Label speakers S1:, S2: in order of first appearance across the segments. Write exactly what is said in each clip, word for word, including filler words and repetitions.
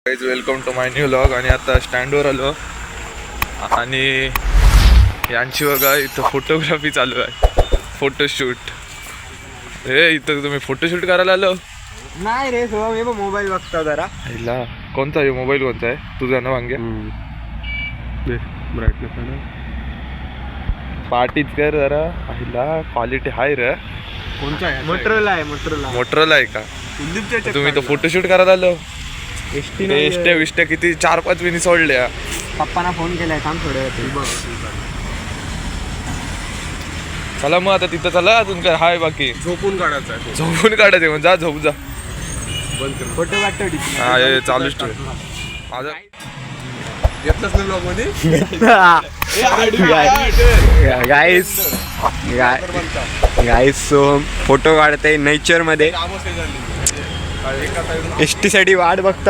S1: Guys welcome to my new vlog. आणि आता स्टँडवर आलो आणि यांची बघा इथं फोटोग्राफी चालू आहे, फोटोशूट. हे इथं तुम्ही फोटोशूट करायला आलो?
S2: नाही रे सो मी मोबाईल बघतो जरा.
S1: हिला कोणता आहे मोबाईल, कोणता आहे तुझा ना वांगे? पार्टीच कर जरा. हिला क्वालिटी हाय रे.
S2: कोणता आहे? मोटरोला आहे. मोटरोला
S1: मोटरोला आहे का? तुम्ही तो फोटोशूट करायला आलो?
S2: एसटी
S1: इष्ट्या विष्ट्या किती चार पाच मिनिट सोडल्या.
S2: पप्पाना फोन केलाय, थांब थोडं.
S1: चला मग आता तिथं चला. अजून काय हाय बाकी?
S2: झोपून काढायचं आहे.
S1: झोपून काढायचं मग जा, झोप जा.
S2: फोटो काढतो.
S1: हा हे चालूच ठेव. माझा
S2: येतच नाही ब्लॉग मध्ये.
S3: गाईस गाईस सो फोटो काढते नेचर मध्ये. एस टी साठी वाट बघता.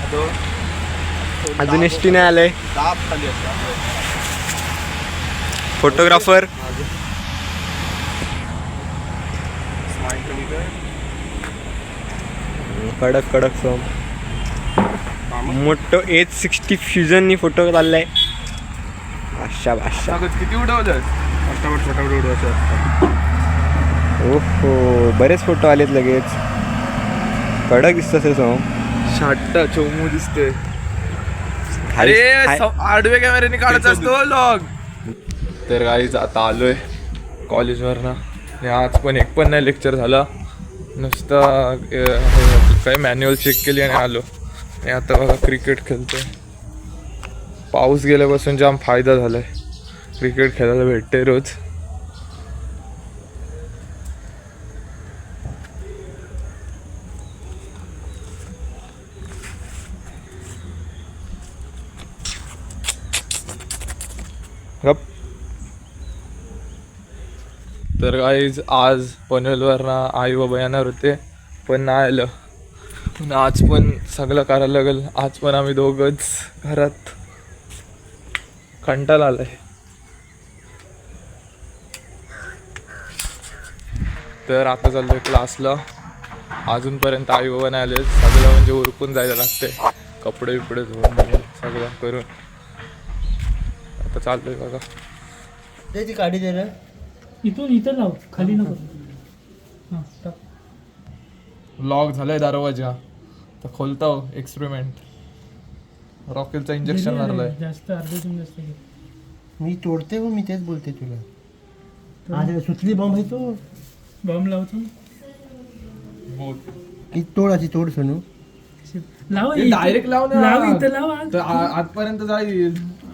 S3: अजून एस टी नाही आलंय. फोटोग्राफर कडक कडक सोम मोठं एच सिक्स्टी फ्युजननी फोटो काढलाय. अशा भाषा
S1: किती उडवलं?
S3: ओहो बरेच फोटो आलेत लगेच. कडक दिसत असेल सोम.
S1: शाट्टा चोमू दिसते. अरे आडवे कॅमेऱ्याने काढायचा असतो व्लॉग. तर गाईज आता आलोय कॉलेजवर ना. आणि आज पण एक पण नाही लेक्चर झाला. नुसतं काय मॅन्युअल चेक केली आणि आलो. आणि आता बघा क्रिकेट खेळतोय. पाऊस गेल्यापासून जाम फायदा झालाय. क्रिकेट खेळायला भेटते रोज. गप. तर गाईज आज पनवेलवर ना आई बाबा येणार होते पण नाही आलं. पण आज पण सगळं करायला लागेल. आज पण आम्ही दोघंच घरात. कंटाळा आलाय. तर आता चाललोय क्लासला. अजूनपर्यंत आई बाबा नाही आले. सगळं म्हणजे उरकून जायला लागते. कपडे बिपडे धुवून सगळं करून आता चाललोय बघा.
S2: त्याची गाडी दे रे.
S4: इथून इथं लाव, खाली नको. हां टाक.
S1: लॉक झालाय दरवाजा. तर खोलता एक्सपेरिमेंट. रॉकेलचं इंजेक्शन मारलंय.
S4: जास्त अर्ध्यातून जास्त घे.
S2: मी तोडते हो, मी तेच बोलते तुला. आज सुचली बॉम्ब आहे तो.
S4: बॉम्ब लावतो.
S2: की तोडाची तोड सोनू.
S4: लाव
S1: डायरेक्ट लाव ना.
S4: लाव इथं लाव. आज
S1: तर आ- आतपर्यंत जाईल.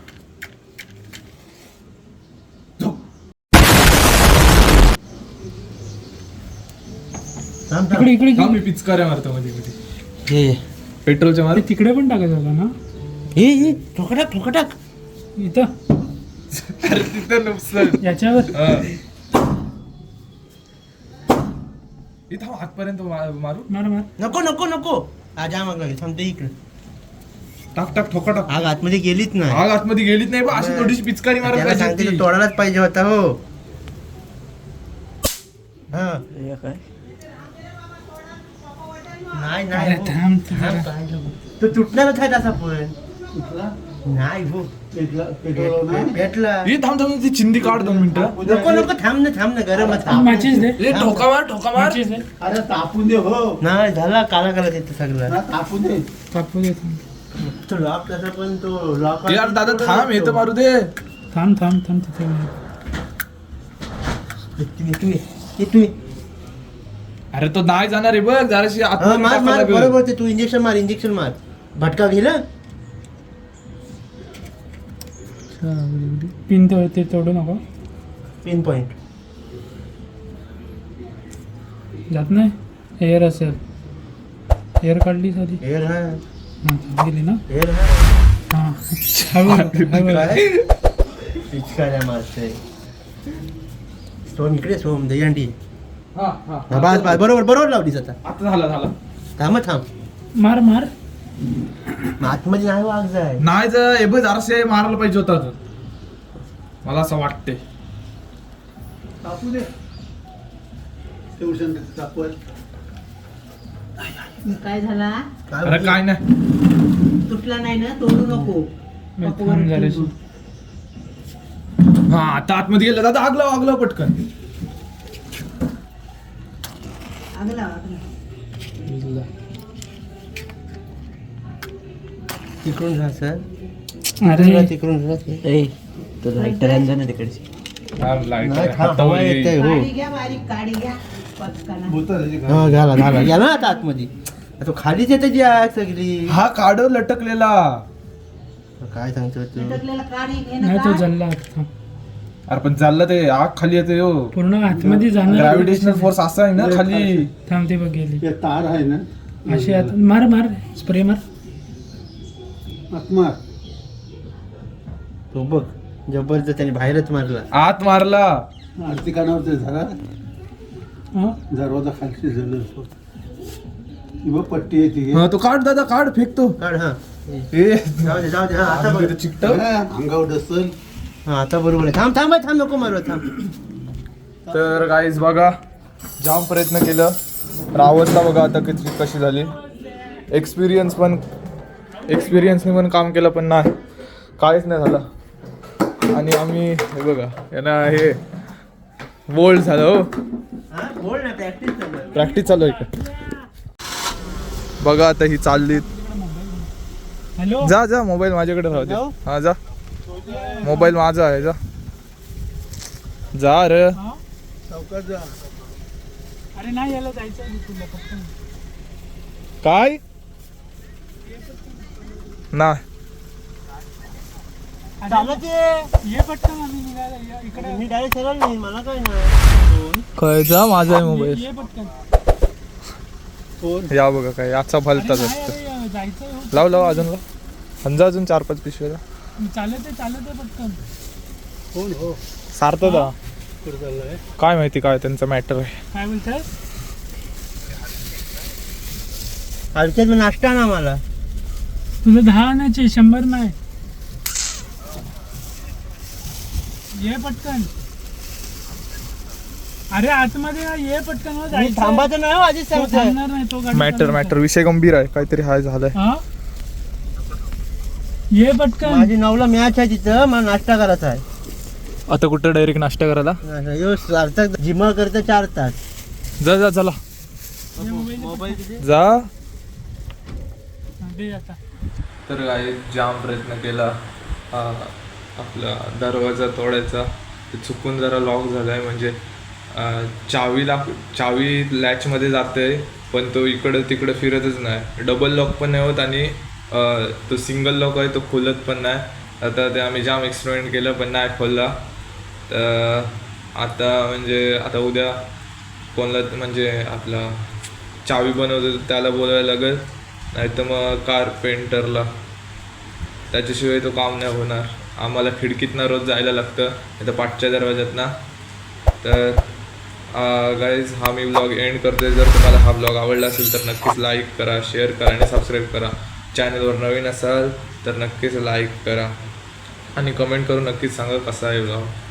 S4: इकडे इकडे
S1: हा,
S4: घे.
S1: मी पिचकाऱ्या मारतो मध्ये मध्ये.
S2: हे
S1: पेट्रोलच्या मार.
S4: अरे तिकडे पण टाकायचं होता ना.
S2: हे हे ठोकटाक ठोकटाक.
S4: इथं
S1: अरे तिथं नुकसान.
S4: याच्यावर
S1: इथं आतपर्यंत मा- मारू.
S4: मार मार.
S2: नको नको नको. आज आग लागेल. थांबते इकडे.
S1: टाक टाक ठोका टाक.
S2: आग आतमध्ये गेलीच नाही.
S1: आग आतमध्ये गेलीच नाही बा. अशी थोडीशी पिचकारी मारत
S2: त्याला
S1: पाहिजे
S2: सांगते
S1: ती.
S2: तो तोडायलाच पाहिजे होता हो. हा नाही नाही
S4: अरे
S2: हो.
S4: थांब तू जरा.
S2: तो तुटणारच आहे तसा पण. नाही हो. भेटला.
S1: ही थांब थांब ती चिंदी काढ दोन मिनिटं.
S2: नको नको थांब ना थांब ना गरम
S4: मॅचेस दे.
S1: ए ठोका मार ठोका मार.
S4: मॅचेस दे.
S5: अरे तापून दे हो.
S2: नाही झाला काला काला देतो सगळं.
S5: ना तापून दे.
S4: तापू दे.
S2: तो लॉक तसा पण तो लॉक.
S1: यार दादा थांब हे तर मारू दे.
S4: थांब थांब थांब तिथे.
S2: तू ये ये तू ये.
S1: अरे तो नाही जाणार आहे बघ. जराशी
S2: हा,
S1: आतमध्ये
S2: मार
S1: टाकावं
S2: मार
S1: लागेल.
S2: बरोबर ते तू इंजेक्शन मार इंजेक्शन मार. भटका गेला.
S4: पिन तो ते तोडू नको.
S2: पिन पॉइंट
S4: जात नाही. एअर असेल. एअर काढली साधी.
S2: हेर हा
S4: हां गेली ना.
S2: हेर हा
S4: हां हळू हळू.
S2: पिचकाऱ्या मारते. सोम इकडे सोम दहीहंडी.
S1: हा हा
S2: हा बस बस बरोबर बरोबर लावलीस आता.
S1: आता झाला झाला.
S2: थांब थांब.
S4: मार मार.
S2: आतमध्ये नाही वाघ जाय.
S1: नाही जर हे बघ जरासे मारायला पाहिजे होता तो. मला असं वाटते.
S5: तापू दे. ट्युशन तापवर. काय झाला
S1: अरे काय नाही
S5: तुटला नाही ना तोडू नको
S4: थांब जराशी.
S1: हा आता आतमध्ये गेलं दादा आगला आगला पटकन
S5: आगला आगला
S2: तिकडून राहा सर
S4: अरे
S2: तिकडून
S1: हा, light
S2: नाही,
S1: आहे.
S2: खा-
S1: हातावर
S2: हवा
S1: येईल.
S2: येते, हो.
S5: काडी घ्या बारीक काडी घ्या पटकन
S2: हा घाला घाला गेला ना आता आतमध्ये तो खालीच येते जी आग सगळी
S1: हा काढ लटकलेला
S2: काय सांगतो तू
S5: लटकलेला काडी घे ना
S4: नाही तो
S5: का?
S4: जल्ला आता थांब.
S1: अरे पण चाललं ते आग खाली येते हो
S4: पूर्ण आतमध्ये जाणार
S1: ग्रॅव्हिटेशनल फोर्स असा आहे ना खाली
S4: थांब ते बघ गेली
S6: तार आहे ना
S4: अशी आत मार मार स्प्रे मार
S6: आत्मा
S2: तो बघ जबरदस्त त्याने बाहेरच मारला
S1: आत मारला
S6: आरती कानावर ते झाला
S4: हा?
S6: दरवाजा खालची झालं किंवा पट्टी आहे ती
S1: हा तो काढ दादा काढ फेकतो
S2: काढ हा
S1: ए
S2: जाऊ दे जाऊ दे हा आता बरोबर
S1: चिकट
S6: हा, अंगावर डसल
S2: हा आता बरोबर आहे थांब थांब थांब नको मारू थांब
S1: तर गाईज बघा जाम प्रयत्न केलं तर अवस्था बघा आता किती कशी झाली एक्सपिरियन्स पण एक्सपिरियन्सने पण काम केलं पण नाही काहीच नाही झालं आणि आम्ही हे बघा यांना हे बोल्ड झालं हो
S2: हा बोल ना प्रॅक्टिस कर
S1: प्रॅक्टिस चालू आहे का बघा आता ही चालली
S4: हॅलो
S1: जा जा मोबाईल माझ्याकडे राहू दे
S2: जाऊ?
S1: हा जा मोबाईल माझा आहे जा जा रे
S4: अरे नाही याला जायचं आहे तुला पटकन.
S1: काय नाही
S2: चालत ये
S4: ये पटकन आम्ही निघायला या इकडे
S2: मी डायरेक्ट सरळ नाही मला काय नाही
S1: काय जा माझा आहे मोबाईल
S4: ये पटकन
S1: या बघा काय याचा भलताच
S4: अरे
S1: असतं
S4: नाही, अरे, जायचं आहे हो.
S1: लाव लाव अजून लाव अंजा अजून चार पाच पिशव्या
S4: चालत आहे चालत आहे पटकन
S6: कोण हो
S1: सारतं दा
S6: कुठं चाललंय
S1: काय माहिती काय त्यांचं मॅटर आहे
S4: काय बोलताय
S2: हलक्यात नाश्ता ना मला
S4: तुझं दहा आणायचे शंभर नाही ये पटकन अरे आतमध्ये ना, ये पटकन हो,
S2: मी
S4: जायचं आहे.
S2: थांबायचं नाही हो आधीच
S4: तो
S2: सांगतोय
S4: थांबणार नाही तो गाडी
S1: मॅटर
S4: चालवतो.
S1: मॅटर विषय गंभीर आहे काहीतरी हाय झालंय
S4: हा ये पटकन
S2: माझी नऊला मॅच आहे तिथं मला नाश्ता करायचा आहे
S1: आता कुठं डायरेक्ट नाश्ता करायला
S2: यो सार्थक जिमा करतं चार तास
S1: जा जा चला
S4: ये मोबाईल दे.
S2: मोबाईल किती
S1: जा
S4: हा, दे आता
S1: तर काय जाम प्रयत्न केला हा, आपला दरवाजा तोडायचा ते चुकून जरा लॉक झालाय म्हणजे अं, चावीला चावी लॅचमध्ये जाते पण तो इकडं तिकडं फिरतच नाही डबल लॉक पण नाही होत आणि अं, तो सिंगल लॉक आहे तो खोलत पण नाही आता ते आम्ही जाम एक्सपेरिमेंट केलं पण नाही खोलला तर आता म्हणजे आता उद्या कोणाला म्हणजे आपला चावी बनवतो त्याला बोलायला लागेल नाही तर मग कारपेंटरला त्याच्याशिवाय तो काम नाही होणार आम्हाला खिडकीतनं रोज जायला लागतं नाही तर पाठच्या दरवाज्यातनं तर गाईज हा मी ब्लॉग एंड करतोय जर तुम्हाला हा ब्लॉग आवडला असेल तर नक्कीच लाईक करा शेअर करा आणि सबस्क्राईब करा चॅनलवर नवीन असाल तर नक्कीच लाईक करा आणि कमेंट करून नक्कीच सांगा कसा आहे ब्लॉग